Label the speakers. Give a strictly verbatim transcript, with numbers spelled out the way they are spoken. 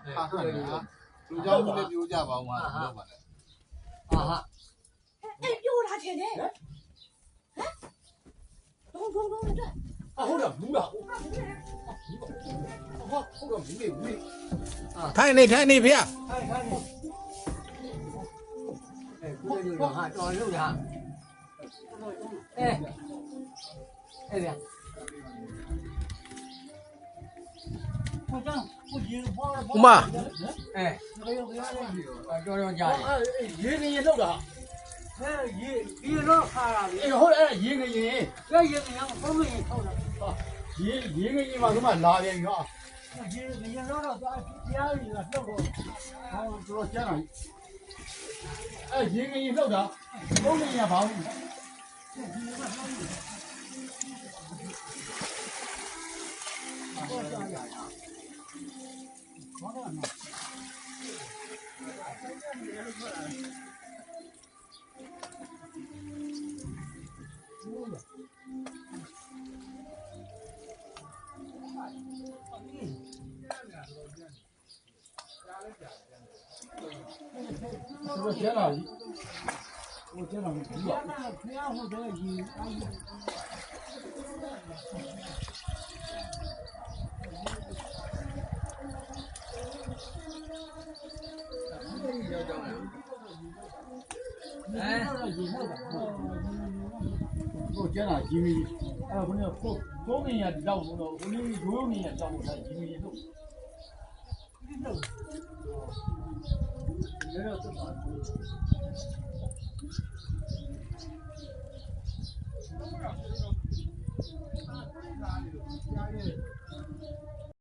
Speaker 1: ဟာဟုတ်တယ်ဟာလူเจ้าမှုလည်းပြောကြပါဦးမှာလို့ပါလေ
Speaker 2: ဟာဟာ
Speaker 3: အဲ့ပြောတာချင်တယ်ဟမ်ဒုံဒုံဒုံတဲ့
Speaker 2: 啊，好了，唔啦，好，好，好了，唔理唔理。
Speaker 4: ထိုင်နေထိုင်နေဖေ
Speaker 2: 哎，看你。哎，过来就哈，找肉的哈。哎，哎呀。
Speaker 4: ဥမာ
Speaker 2: 哎，啊，找找家里。哎，爷给你弄的。哎，爷，爷老看了。哎，好了，哎，爷给你，这爷给你，我们也靠着。啊，爷爷给你嘛，什么拿点鱼啊？爷爷老了，咱家里了，这个，啊，主要家里。哎，爷给你弄的，我们也帮你。我接了，我接了，不要。哎，我接了，因为哎，我那后后面也照顾了，我那右面也照顾他，因为都。没有这么。